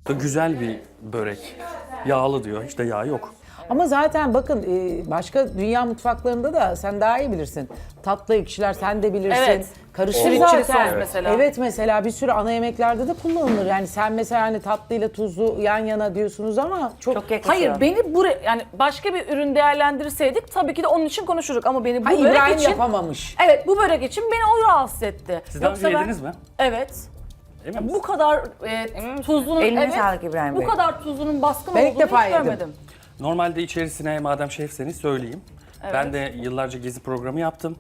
Güzel bir börek. Yağlı diyor. Hiç de yağ yok. Ama zaten bakın başka dünya mutfaklarında da sen daha iyi bilirsin. Tatlı ekşiler sen de bilirsin. Evet. Karışır Sweet chili zaten. sos mesela. Evet mesela bir sürü ana yemeklerde de kullanılır. Yani sen mesela hani tatlıyla tuzlu yan yana diyorsunuz ama çok yakışıyor. Hayır beni buraya yani başka bir ürün değerlendirseydik tabii ki de onun için konuşurduk ama beni bu Ha, börek İbrahim için yapamamış. evet bu börek için beni o rahatsız etti. Siz daha önce yediniz mi? Evet. Emin misiniz? Bu kadar tuzlunun Eline sağlık İbrahim Bey. Bu kadar tuzlunun baskın Ben ilk olduğunu defa hiç yedim. görmedim. Normalde içerisine madem şefseniz söyleyeyim. Ben de yıllarca gezi programı yaptım.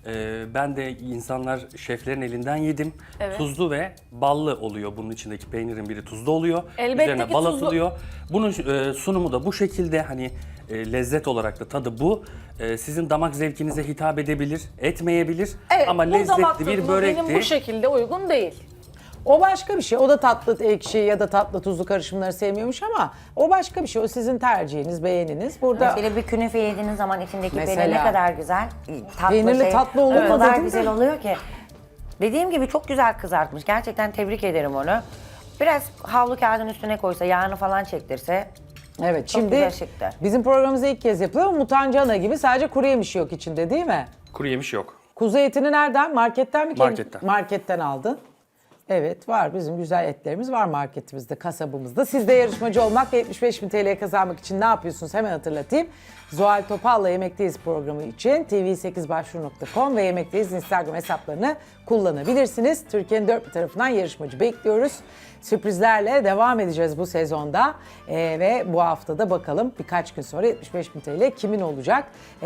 Ben de insanlar şeflerin elinden yedim. Evet. Tuzlu ve ballı oluyor. Bunun içindeki peynirin biri tuzlu oluyor. Elbette Üzerine ki bal tuzlu. atılıyor. Bunun sunumu da bu şekilde hani lezzet olarak da tadı bu. Sizin damak zevkinize hitap edebilir, etmeyebilir. Evet, Ama bu damak lezzetli bir tadıma börekti. benim bu şekilde uygun değil. O başka bir şey. O da tatlı ekşi ya da tatlı tuzlu karışımları sevmiyormuş ama o başka bir şey. O sizin tercihiniz, beğeniniz. Burada Şöyle bir künefe yediğiniz zaman içindeki Mesela. peynir ne kadar güzel. Peynirli tatlı olur O mu kadar dedin güzel de? oluyor ki. Dediğim gibi çok güzel kızartmış. Gerçekten tebrik ederim onu. Biraz havlu kağıdın üstüne koysa, yağını falan çektirse. evet Çok şimdi güzel çıktı. bizim programımızda ilk kez yapılıyor ama mutancana gibi sadece kuru yemiş yok içinde değil mi? Kuru yemiş yok. Kuzu etini nereden? Marketten mi? Marketten. Marketten aldın. Evet var bizim güzel etlerimiz var marketimizde, kasabımızda. Siz de yarışmacı olmak ve 75.000 TL kazanmak için ne yapıyorsunuz hemen hatırlatayım. Zuhal Topal'la Yemekteyiz programı için tv8başvuru.com ve Yemekteyiz Instagram hesaplarını kullanabilirsiniz. Türkiye'nin dört bir tarafından yarışmacı bekliyoruz. Sürprizlerle devam edeceğiz bu sezonda ve bu haftada bakalım birkaç gün sonra 75.000 TL kimin olacak?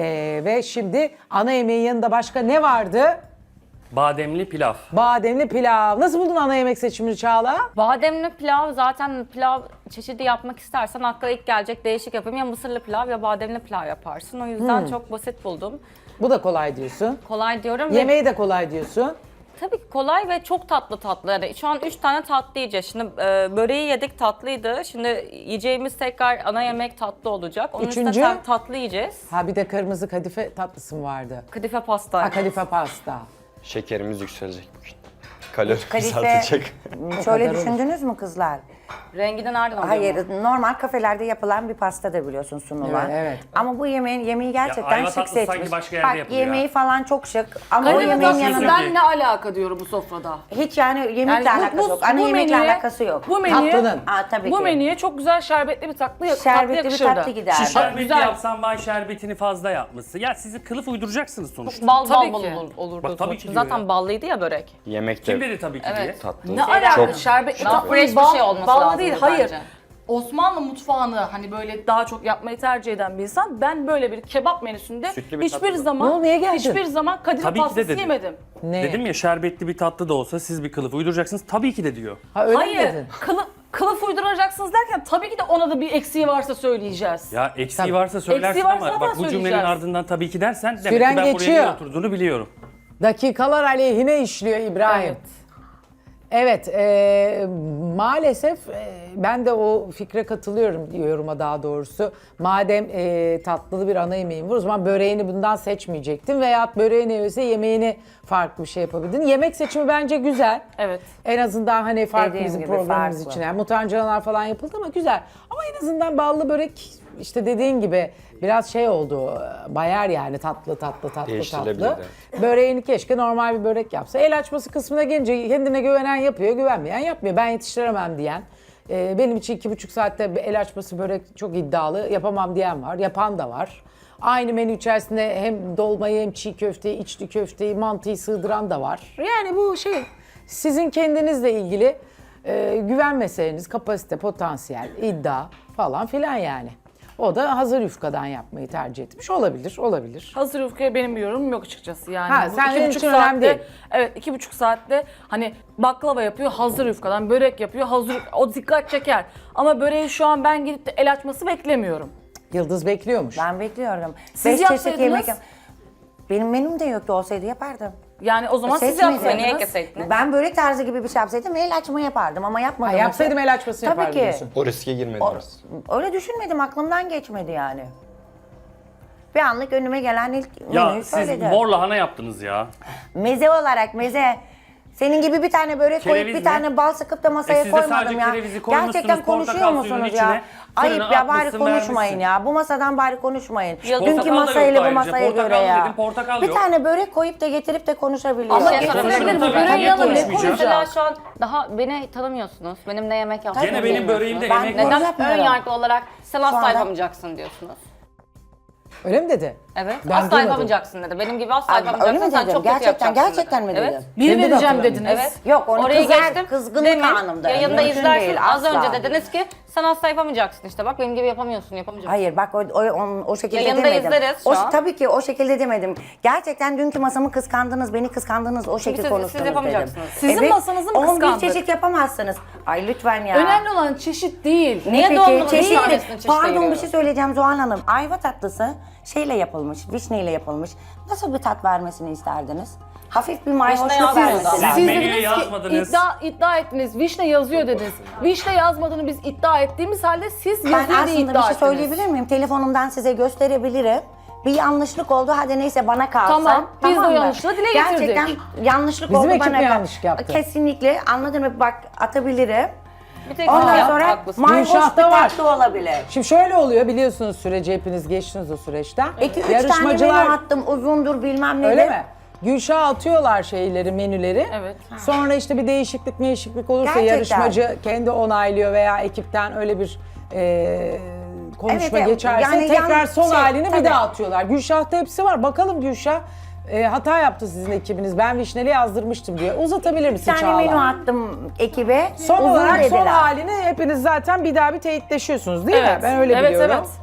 Ve şimdi ana yemeğin yanında başka ne vardı? Bademli pilav. Bademli pilav. Nasıl buldun ana yemek seçimini Çağla? Bademli pilav zaten pilav çeşidi yapmak istersen akla ilk gelecek değişik yapayım. Ya mısırlı pilav ya bademli pilav yaparsın. O yüzden çok basit buldum. Bu da kolay diyorsun. Kolay diyorum ve Yemeği de kolay diyorsun. tabii ki kolay ve çok tatlı. Yani şu an 3 tane tatlı yiyeceğiz. Şimdi böreği yedik tatlıydı. Şimdi yiyeceğimiz tekrar ana yemek tatlı olacak. Onun Üçüncü? üstüne tatlı yiyeceğiz. Ha bir de kırmızı kadife tatlısı mı vardı? Kadife pasta. Ha kadife pasta. Şekerimiz yükselecek bugün. Kalori Kadife, artacak. şöyle kadar olur. düşündünüz mü kızlar? Rengi nereden oluyor? Hayır, normal kafelerde yapılan bir pasta da biliyorsun sunulan. Evet, evet. Ama bu yemeği gerçekten ayva şık tatlısı seçmiş. sanki başka yerde Bak yapılıyor yemeği ya. falan çok şık ama o Kadife yemeğin tatlısı yanında ben- tatlısından ne alaka diyorum bu sofrada? hiç yani yemekle alakası yok. Ana yemekle alakası yok. Bu menüye, Tatlının. Tabii bu ki. menüye çok güzel şerbetli bir tatlı Şerbetli bir yakışırdı. tatlı gider. Şerbetli güzel. yapsan vay şerbetini fazla yapmışsın. Ya sizi kılıf uyduracaksınız sonuçta. Bal Tabii bal ki. olurdu. Bak, tabii ki diyor Zaten ya. ballıydı ya börek. Yemek Kim de dedi tabii ki diye. tatlı. Ne alaka Çok şerbetli Daha tatlı fresh bir şey olması ballı lazım değil. bence. Hayır. Osmanlı mutfağını hani böyle daha çok yapmayı tercih eden bir insan. Ben böyle bir kebap menüsünde Sütlü bir hiçbir tatlı. zaman Ne oldu, niye geldin? hiçbir zaman kadife Tabii ki de pastası dedi. yemedim. Ne? Dedim ya şerbetli bir tatlı da olsa siz bir kılıf uyduracaksınız. Tabii ki de diyor. Ha öyle mi Hayır. dedin? Kılıf uyduracaksınız derken tabii ki de ona da bir eksiği varsa söyleyeceğiz. Ya eksiği Tabii. varsa söylersin Eksiği varsa ama da bak bu cümlenin söyleyeceğiz. ardından tabii ki dersen demek Süren ki ben buraya geçiyor. niye oturduğunu biliyorum. Dakikalar aleyhine işliyor İbrahim. Evet. Evet, maalesef ben de o fikre katılıyorum yoruma daha doğrusu. Madem tatlılı bir ana yemeğin var o zaman böreğini bundan seçmeyecektin veya böreğini yese yemeğini farklı bir şey yapabilirdin. Yemek seçimi bence güzel. Evet. En azından hani farklı Dediğim bizim gibi programımız farklı. için. Yani mutancanalar falan yapıldı ama güzel. Ama en azından ballı börek işte dediğin gibi biraz şey oldu. Bayar yani tatlı. Değiştirilebilir, Böreğini keşke normal bir börek yapsa. El açması kısmına gelince kendine güvenen yapıyor, güvenmeyen yapmıyor. Ben yetiştiremem diyen. Benim için 2,5 saatte el açması börek çok iddialı. Yapamam diyen var. Yapan da var. Aynı menü içerisinde hem dolmayı hem çiğ köfteyi, içli köfteyi, mantıyı sığdıran da var. Yani bu şey sizin kendinizle ilgili güven meseleniz, kapasite, potansiyel, iddia falan filan yani. O da hazır yufkadan yapmayı tercih etmiş. Olabilir. Hazır yufkaya benim bir yorumum yok açıkçası yani. Ha, Bu sen iki benim buçuk için önemli değil. Evet 2,5 saatte hani baklava yapıyor hazır yufkadan, börek yapıyor hazır o dikkat çeker. Ama böreği şu an ben gidip de el açması beklemiyorum. Yıldız bekliyormuş. Ben bekliyorum. Siz 5 çeşit yapsaydınız? yemek Benim menüm de yoktu, olsaydı yapardım. Yani o zaman siz Seçmedim. yapsaydınız. Niye keseydiniz? Ben börek tarzı gibi bir şey yapsaydım el açma yapardım ama yapmadım. Ha, yapsaydım el açması Tabii yapardım ki. diyorsun. O riske girmediniz. Öyle düşünmedim, aklımdan geçmedi yani. Bir anlık önüme gelen ilk Ya menüyü siz söyledim. mor lahana yaptınız ya. Meze olarak meze. Senin gibi bir tane börek koyup Kereviz bir mi? tane bal sıkıp da masaya Siz de sadece koymadım ya. kerevizi koymuşsunuz, Gerçekten konuşuyor portakal musunuz suyunun ya? içine, Ayıp fırına ya, bari atmışsın, konuşmayın vermişsin. ya. Bu masadan bari konuşmayın. Yok, Dünkü portakal da masayla yoktu bu ayrıca. masaya göre Portakal ya. dedim, portakal Bir yok. tane börek koyup da getirip de konuşabiliyor. Ama Konuşalım sorabilir tabii. Böreği Niye alın. konuşmayacağım? Mesela şu an daha beni tanımıyorsunuz. Benim ne yemek yaptığımı Gene benim bilmiyorsunuz. böreğimde Ben yemek neden- var. Neden Yapmıyorum. ön yargılı olarak sen asla anda- yapamayacaksın diyorsunuz? Öyle mi dedi? Evet. Ben asla duymadım. yapamayacaksın dedi. Benim gibi asla Abi, öyle yapamayacaksın. mi Sen dedim? çok kötü Gerçekten, yapacaksın gerçekten dedi. mi dedim? Evet. Bir Kendi de vereceğim hatırlamıyorum. dediniz. Evet. Yok, onu Oraya kızar, geçtim. kızgınlık Demin anımda. yayında Mümkün izlersin. değil, Az asla. önce dediniz ki sen asla yapamayacaksın işte. Bak benim gibi yapamıyorsun, yapamayacaksın. Hayır bak o şekilde Yayında demedim. izleriz şu an. Tabii ki o şekilde demedim. Gerçekten dünkü masamı kıskandınız, beni kıskandınız, o şekilde siz konuştunuz yapamayacaksınız. dedim. Sizin masanızı mı 11 kıskandık? çeşit yapamazsınız. Ay lütfen ya. Önemli olan çeşit değil. Niye Peki, doğumlunun çeşitli. bir tanesini çeşitli Pardon, bir ayırıyoruz? şey söyleyeceğim Zuhal Hanım. Ayva tatlısı şeyle yapılmış, vişneyle yapılmış. Nasıl bir tat vermesini isterdiniz? Hafif bir mayhoşluk yazmıyor vermesi zaten. lazım. Siz menüye dediniz ki yazmadınız. iddia ettiniz. Vişne yazıyor dediniz. Vişne yazmadığını biz iddia ettiğimiz halde siz Ben yazıyor diye aslında bir iddia şey ettiniz. söyleyebilir miyim? Telefonumdan size gösterebilirim. Bir yanlışlık oldu. Hadi neyse bana kalsın. Tamam, biz de o mı? yanlışlığı dile getirdik. Gerçekten yanlışlık Bizim oldu ekip bana. mi yanlışlık yaptı? Kesinlikle. Anladın mı? Bak atabilirim. Bir tek Ondan sen sonra haklısın. mayhoş bir Gülşah'ta var. tatlı olabilir. Şimdi şöyle oluyor, biliyorsunuz süreci, hepiniz geçtiniz o süreçten. 2-3 tane menü attım. Uzundur bilmem ne. Öyle mi? Gülşah'a atıyorlar şeyleri, menüleri. Evet. Sonra işte bir değişiklik olursa Gerçekten. yarışmacı kendi onaylıyor veya ekipten öyle bir konuşma Evet, evet. geçerse Yani tekrar son halini tabii. bir daha atıyorlar. Gülşah'ta hepsi var. Bakalım Gülşah hata yaptı sizin ekibiniz. Ben vişneli yazdırmıştım diye. Uzatabilir misin Bir tane menü Çağla? attım ekibe. Son Uzun olarak son dediler. halini hepiniz zaten bir daha bir teyitleşiyorsunuz değil mi? Evet. Ben öyle Evet, biliyorum. evet.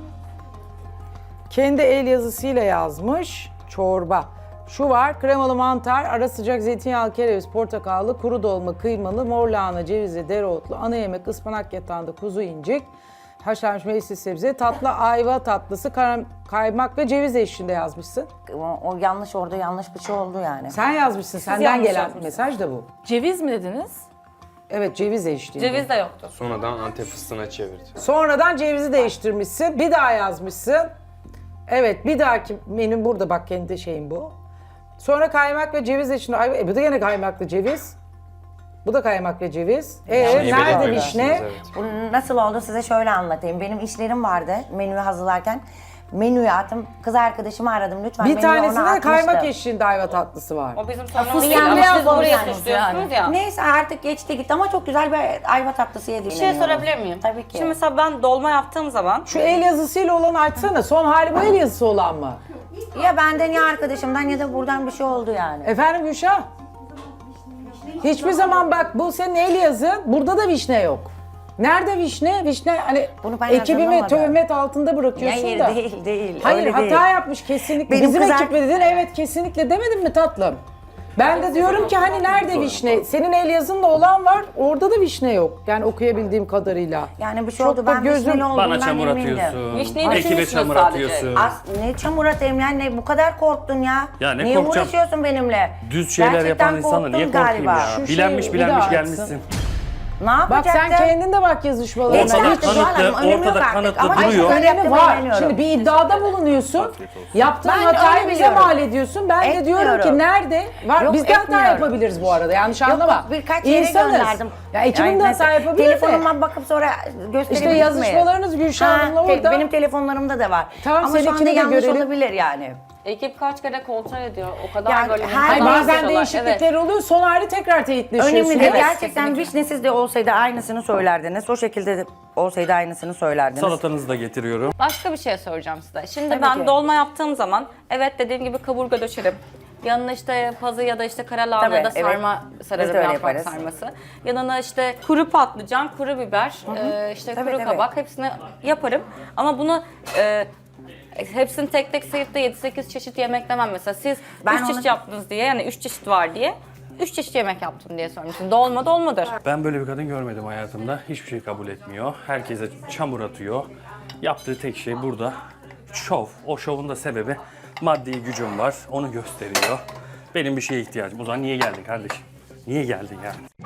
Kendi el yazısıyla yazmış. Çorba. Şu var, kremalı mantar, ara sıcak zeytinyağlı kereviz, portakallı, kuru dolma, kıymalı, mor lahana, cevizli, dereotlu, ana yemek, ıspanak yatağında kuzu incik, haşlanmış meyveli sebze, tatlı ayva tatlısı, kaymak ve ceviz eşliğinde yazmışsın. O yanlış, orada yanlış bir şey oldu yani. Sen yazmışsın, senden yanlış gelen yazmışsınız. mesaj da bu. Ceviz mi dediniz? Evet, ceviz eşliğinde. Ceviz de yoktu. Sonradan Antep fıstığına çevirdi. Sonradan cevizi değiştirmişsin, bir daha yazmışsın. Evet, bir dahaki menü burada, bak kendi şeyim bu. Sonra kaymak ve ceviz eşliğinde, ay, bu da yine kaymaklı ceviz. Bu da kaymak ve ceviz. Vişneyi Nerede belirtmemişsiniz, vişne? evet. Bu nasıl oldu size şöyle anlatayım. Benim işlerim vardı menüyü hazırlarken. Menüyü attım. Kız arkadaşımı aradım lütfen. Bir menüyü ona tanesinde kaymak atmıştım. eşliğinde ayva tatlısı var. O bizim sorunumuz fıstık değil. Ama beyaz siz buraya olacaksınız suçluyorsunuz ya. Neyse artık geçti gitti ama çok güzel bir ayva tatlısı yedim. Bir şey sorabilir miyim? Tabii ki. Şimdi mesela ben dolma yaptığım zaman Şu el yazısıyla olan açsana. Son hali bu el yazısı olan mı? Ya benden ya arkadaşımdan ya da buradan bir şey oldu yani. Efendim Gülşah? Hiçbir zaman bak bu senin el yazın. Burada da vişne yok. Nerede vişne? Vişne hani Bunu ben ekibimi hazırlamadım. töhmet altında bırakıyorsun Hayır da. değil. Hayır öyle hata değil. yapmış kesinlikle. Benim Bizim kız ekip mi dedin? Evet kesinlikle demedin mi tatlım? Ben de diyorum ki hani nerede vişne? Senin el yazınla olan var. Orada da vişne yok. Yani okuyabildiğim kadarıyla. Yani bir şey Çok oldu da ben gözüm- vişneli olduğundan Bana çamur emindim. atıyorsun. Vişneyi Ekibe düşünmüşsünüz çamur sadece. atıyorsun. Ne çamur atayım yani ne bu kadar korktun ya? Ya ne niye korkacağım? uğraşıyorsun benimle? Düz şeyler Gerçekten yapan insana niye korktun korkayım ya? Şu Bilenmiş şeyi bir bilenmiş daha gelmişsin. açsın. Ne Bak yapacaktın? sen kendin de bak yazışmalarına. Geçti Ortada Hiç artık Zuhal Hanım, kanıtlı, önemi yok ortada artık. kanıtlı Ama duruyor. işte öyle önemi yaptığımı var. inanıyorum. Şimdi bir iddiada bulunuyorsun. Yaptığın Ben hatayı öyle bize biliyorum. mal ediyorsun. Ben de diyorum ki Etmiyorum. nerede? Var. Yok, Biz de hata etmiyorum. yapabiliriz bu arada. Yanlış Yok, anlama. yok, birkaç yere İnsanız. gönderdim. Ya ekibin de Yani hata yapabilir de. telefonuma bakıp sonra gösterebilir İşte miyim? yazışmalarınız Gülşah Hanım'la orada. Benim telefonlarımda da var. Tamam, Ama şu anda seninkini de yanlış görelim. olabilir yani. Ekip kaç kere kontrol ediyor. O kadar Yani böyle her Hayır, hata bazen yapıyorlar. değişiklikler oluyor. Son hali tekrar teyitleşiyorsun. Önemli değil. Evet. Gerçekten vişnesiz de olsaydı aynısını söylerdiniz. O şekilde de olsaydı aynısını söylerdiniz. Salatanızı da getiriyorum. Başka bir şey soracağım size. Şimdi Tabii ben ki. dolma yaptığım zaman evet dediğim gibi kaburga döşerim. Yanına işte pazı ya da işte kara lahana ya da Tabii, evet. sarma Biz sararım, de öyle yaprak yaparız. sarması. Yanına işte kuru patlıcan, kuru biber, işte Tabii, kuru tabii. kabak hepsini yaparım. Ama bunu hepsini tek tek sayıp da 7-8 çeşit yemek demem mesela. Siz Ben 3 çeşit onu- yaptınız diye yani 3 çeşit var diye 3 çeşit yemek yaptım diye sormuştum. Dolma dolmadır. Ben böyle bir kadın görmedim hayatımda. Hiçbir şey kabul etmiyor. Herkese çamur atıyor. Yaptığı tek şey burada şov. O şovun da sebebi maddi gücüm var. Onu gösteriyor. Benim bir şeye ihtiyacım. O zaman niye geldin kardeşim? Niye geldin yani?